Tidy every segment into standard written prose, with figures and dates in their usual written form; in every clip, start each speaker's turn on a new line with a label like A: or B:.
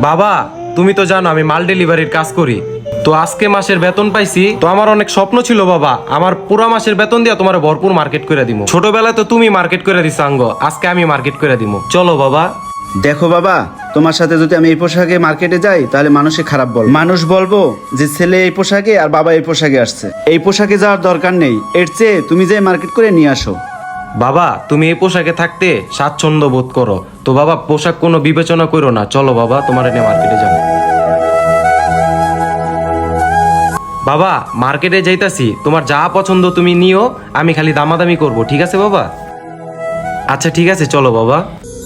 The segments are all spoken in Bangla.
A: বাবা তুমি তো জানো আমি মাল ডেলিভারির কাজ করি, তো আজকে মাসের বেতন পাইছি, তো আমার অনেক স্বপ্ন ছিল বাবা আমার পুরা মাসের বেতন দিয়ে তোমার ভরপুর মার্কেট করে দিব। ছোটবেলায় তো তুমি মার্কেট করে দিছো আঙ্গ, আজকে আমি মার্কেট করে দিব, চলো বাবা।
B: দেখো বাবা, তোমার সাথে যদি আমি এই পোশাকে মার্কেটে যাই তাহলে মানুষে খারাপ বল, মানুষ বলবো যে ছেলে এই পোশাকে আর বাবা এই পোশাকে আসছে। এই পোশাকে যাওয়ার দরকার নেই, এর চেয়ে তুমি যে মার্কেট করে নিয়ে আসো।
A: বাবা তুমি এই পোশাকে থাকতে স্বাচ্ছন্দ্য বোধ করো, তো বাবা পোশাক কোনো বিবেচনা করো না, চলো বাবা তোমার এনে মার্কেটে যাবো। বাবা মার্কেটে যাইতাছি, তোমার যা পছন্দ তুমি নিও, আমি খালি দামাদামি করব, ঠিক আছে বাবা? আচ্ছা ঠিক আছে চলো বাবা।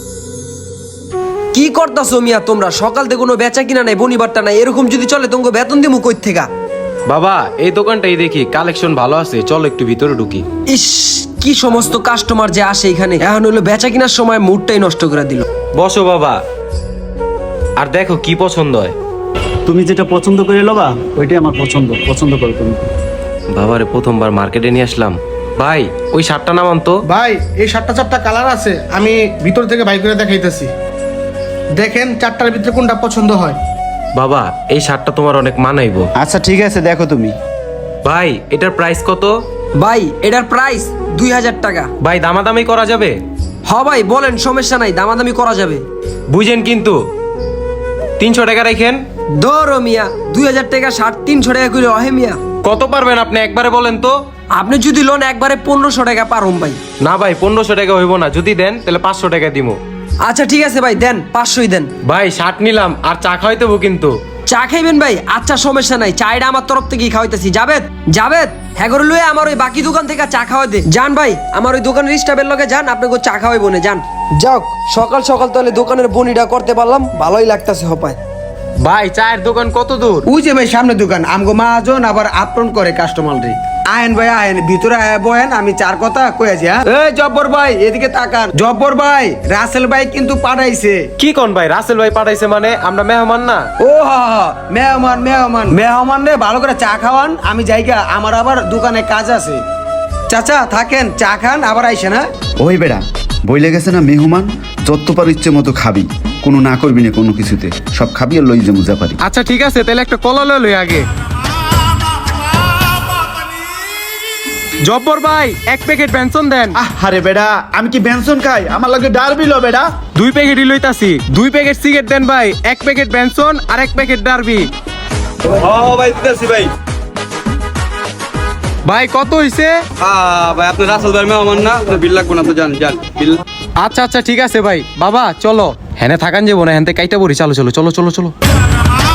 C: কি করতাছো মিয়া তোমরা? সকাল থেকে কোনো বেচা কিনা নাই, বনিবারটা নাই, এরকম যদি চলে তোমাকে বেতন দিমু কই থেকে?
A: বাবা এই দোকানটাই দেখি কালেকশন ভালো আছে, চলো একটু ভিতরে ঢুকি।
C: ইস, কি সমস্ত কাস্টমার যে আসে এখানে, এখন হলো বেচা কিনার সময় মুডটাই নষ্ট করে দিল।
A: বসো বাবা, আর দেখো কি পছন্দ হয়।
B: তুমি যেটা পছন্দ করে লবা ওইটাই আমার পছন্দ করো তুমি।
A: বাবারে প্রথমবার মার্কেটে নিয়ে আসলাম, ভাই ওই শার্টটা নামান তো।
D: ভাই এই চারটা কালার আছে, আমি ভিতর থেকে বাই করে দেখাইতেছি, দেখেন চারটার ভিতরে কোনটা পছন্দ হয়।
A: বাবা এই শার্টটা তোমার অনেক মানাইবো।
B: আচ্ছা ঠিক আছে, দেখো তুমি।
A: ভাই এটার প্রাইস কত?
C: ভাই এটার প্রাইস 2000 টাকা।
A: ভাই দামাদামি করা যাবে?
C: হ ভাই বলেন, সমস্যা নাই, দামাদামি করা যাবে।
A: বুঝেন কিন্তু 300 টাকা রাখেন।
C: ধরো মিয়া, 2000 টাকা শার্ট 300 টাকা করে অহে মিয়া।
A: কত পারবেন আপনি একবারে বলেন তো।
C: আপনি যদি লোন একবারে 1500 টাকা পারুম ভাই।
A: না ভাই 1500 টাকা হইব না, যদি দেন তাহলে 500 টাকা দিমু।
C: আচ্ছা ঠিক আছে ভাই, দেন 500ই দেন।
A: ভাই শার্ট নিলাম আর চা খাওয়াইতে হবো কিন্তু।
C: চা খাইবেন ভাই? আচ্ছা সমস্যা নাই, চাইটা আমার তরফ থেকেই খাওয়াইতেছি। জাবেদ হ্যাঁ করে লুয়ে আমার ওই বাকি দোকান থেকে চা খাওয়াই দে। যান ভাই, আমার ওই দোকানের স্টাফের লগে যান, আপনাকে চা খাওয়াই বনে যান। যাক সকাল সকাল তাহলে দোকানের বনিটা করতে পারলাম, ভালোই লাগতেছে হপায়।
A: ভাই চায়ের দোকান কত দূর?
E: ওই যে ভাই সামনে দোকান, আমগো মাহাজন আবার আপন করে কাস্টমার রে। আয়েন ভাই আয়েন, ভিতরে আয় বহেন, আমি চার কথা কয়েছি। হ্যাঁ এই জব্বর ভাই এদিকে তাকান। জব্বর ভাই, রাসেল ভাই কিন্তু পাঠাইছে।
A: কি কোন ভাই? রাসেল ভাই পাঠাইছে মানে? আমরা মেহমান না?
E: ও মেহমান রে, ভালো করে চা খাওয়ান, আমি যাইগা, আমার আবার দোকানে কাজ আছে। চাচা থাকেন, চা খান আবার আইসেন। হ্যাঁ
B: ওই বেড়া বইলে গেছে না, মেহমান যত পার ইচ্ছে মতো খাবি, কোনো না করবি না কোনো কিছুতে, সব খাবি আর লই যে মুজা পারি।
A: আচ্ছা ঠিক আছে, তাহলে একটা কলা লই আগে। জব্বর ভাই 1 প্যাকেট বেনসন দেন।
B: আরে বেড়া, আমি কি বেনসন খাই? আমার লাগে ডারবি লো বেড়া।
A: 2 প্যাকেটই লইতাছি। 2 প্যাকেট সিগারেট দেন ভাই, 1 প্যাকেট বেনসন আর 1 প্যাকেট ডারবি।
F: ভাই দিতেছি ভাই।
A: ভাই কত হইছে?
F: ভাই আপনি রাসেল ভাই মেহমান না, আপনার বিল লাগবে না তো, যান বিল।
A: আচ্ছা আচ্ছা ঠিক আছে ভাই। বাবা চলো, হেনে থাকান যাবো না, হেনতে কাইটা পড়ি, চলো চলো চলো চলো চলো।